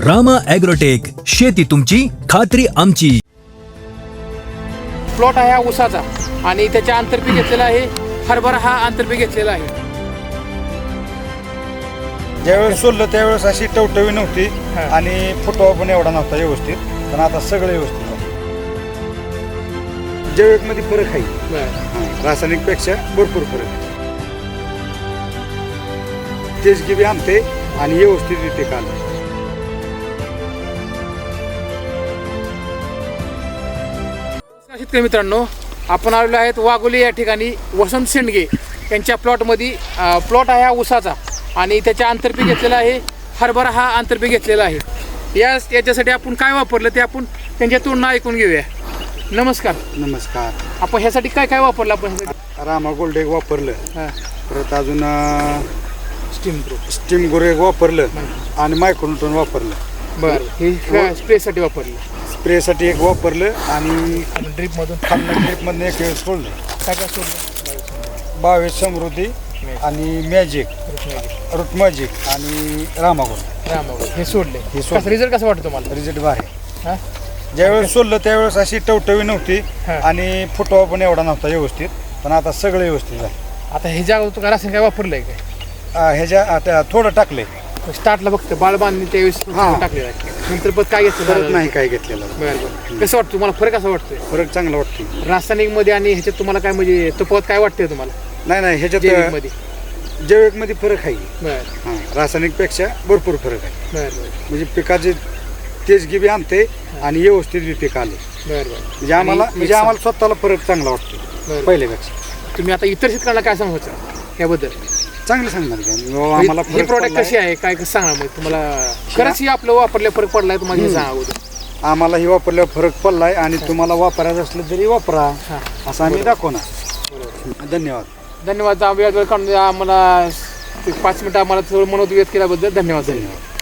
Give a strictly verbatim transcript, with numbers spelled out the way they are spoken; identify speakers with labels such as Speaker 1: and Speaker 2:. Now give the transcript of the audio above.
Speaker 1: Rama agrotech, शेती तुमची खात्री आमची.
Speaker 2: प्लॉट आहे हा ऊसाचा आणि त्याच्या आंतरपीक घेतलेला आहे हरभरा, हा आंतरपीक घेतलेला आहे.
Speaker 3: ज्यावेळेस सोडलं त्यावेळेस अशी टवटवी नव्हती
Speaker 2: हा.
Speaker 3: आणि फुटवा पण एवढा नव्हता व्यवस्थित, पण आता सगळं व्यवस्थित आहे. जैविकमध्ये फरक आहे,
Speaker 2: बरं.
Speaker 3: रासायनिकपेक्षा भरपूर फरक आहे. तेच गिबी आणते आणि व्यवस्थित येते काल.
Speaker 2: शेतकरी मित्रांनो, आपण आलेलो आहेत वाघोली या ठिकाणी वसंत शेंडगे यांच्या प्लॉटमध्ये. प्लॉट आहे हा ऊसाचा आणि त्याच्या आंतरपीक घेतलेला आहे हरभरा, हा आंतरपीक घेतलेला आहे. या याच्यासाठी आपण काय वापरलं ते आपण त्यांच्या तोंडनं ऐकून घेऊया. नमस्कार.
Speaker 3: नमस्कार.
Speaker 2: आपण ह्यासाठी काय काय वापरलं आपण ह्यासाठी?
Speaker 3: रामा गोल्ड एक वापरलं,
Speaker 2: हां,
Speaker 3: परत अजून
Speaker 2: स्टीम प्रो.
Speaker 3: स्टीम गोरे एक वापरलं आणि मायक्रोन्यूटन वापरलं.
Speaker 2: बरं, हे काय स्प्रेसाठी वापरलं?
Speaker 3: स्प्रेसाठी एक वापरलं आणि
Speaker 2: आणि ड्रीपमधून
Speaker 3: ट्रिपमधून एक वेळ सोडलं.
Speaker 2: काय काय सोडलं?
Speaker 3: बावीस समृद्धी आणि मॅजिक, रूट मॅजिक आणि रामागोल्ड
Speaker 2: रामागोल्ड हे सोडले.
Speaker 3: हे सोडले.
Speaker 2: कसं रिझल्ट कसं वाटतं तुम्हाला?
Speaker 3: रिझल्ट भारी.
Speaker 2: हां,
Speaker 3: ज्यावेळेस सोडलं त्यावेळेस अशी टवटवी नव्हती
Speaker 2: हा.
Speaker 3: आणि फुटवा पण एवढा नव्हता व्यवस्थित, पण आता सगळं व्यवस्थित आहे.
Speaker 2: आता हे जागा तू रासायन काय वापरलंय काय?
Speaker 3: आ, ह्याच्या आता थोडं टाकले,
Speaker 2: स्टार्टला फक्त बाळ बांधणी त्यावेळेस
Speaker 3: हां.
Speaker 2: टाकलेलं आहे. नंतर परत काय घेतलं?
Speaker 3: परत नाही काय घेतलेलं.
Speaker 2: बरं बरं. कसं वाटतं तुम्हाला, फरक कसा वाटतोय
Speaker 3: फरक चांगला वाटतो.
Speaker 2: रासायनिक मध्ये आणि ह्याच्यात तुम्हाला काय म्हणजे तफावत काय वाटते तुम्हाला
Speaker 3: नाही नाही ह्याच्यात
Speaker 2: जैविक मध्ये?
Speaker 3: जैविकमध्ये फरक आहे.
Speaker 2: बरं
Speaker 3: हां, रासायनिकपेक्षा भरपूर फरक आहे.
Speaker 2: बरं बरं
Speaker 3: म्हणजे पिकाचे तेज गिबी आणते आणि व्यवस्थित बी पीक आले.
Speaker 2: बरं बरं.
Speaker 3: म्हणजे आम्हाला
Speaker 2: आणि
Speaker 3: म्हणजे
Speaker 2: एक
Speaker 3: आम्हाला स्वतःला फरक चांगला वाटतो
Speaker 2: बरं.
Speaker 3: पहिल्यापेक्षा.
Speaker 2: तुम्ही आता इतर शेतकऱ्यांना काय सांगायचं याबद्दल?
Speaker 3: चांगलं सांगणार का बाबा, आम्हाला
Speaker 2: हे
Speaker 3: फरक
Speaker 2: प्रॉडक्ट
Speaker 3: पडलाय.
Speaker 2: कशी आहे, काय कसं सांगा मग तुम्हाला खरंच हे आपलं वापरल्या फरक पडलाय तुम्हाला हे सांगा अगोदर.
Speaker 3: आम्हाला ही वापरल्यावर फरक पडलाय आणि तुम्हाला वापरायचं असलं तरी वापरा,
Speaker 2: हां,
Speaker 3: असं आम्ही दाखवणार.
Speaker 2: बरोबर.
Speaker 3: धन्यवाद.
Speaker 2: धन्यवाद. वेळ वेळ काढून आम्हाला ते पाच मिनिटं आम्हाला थोडं मनोद व्यक्त केल्याबद्दल धन्यवाद.
Speaker 3: धन्यवाद.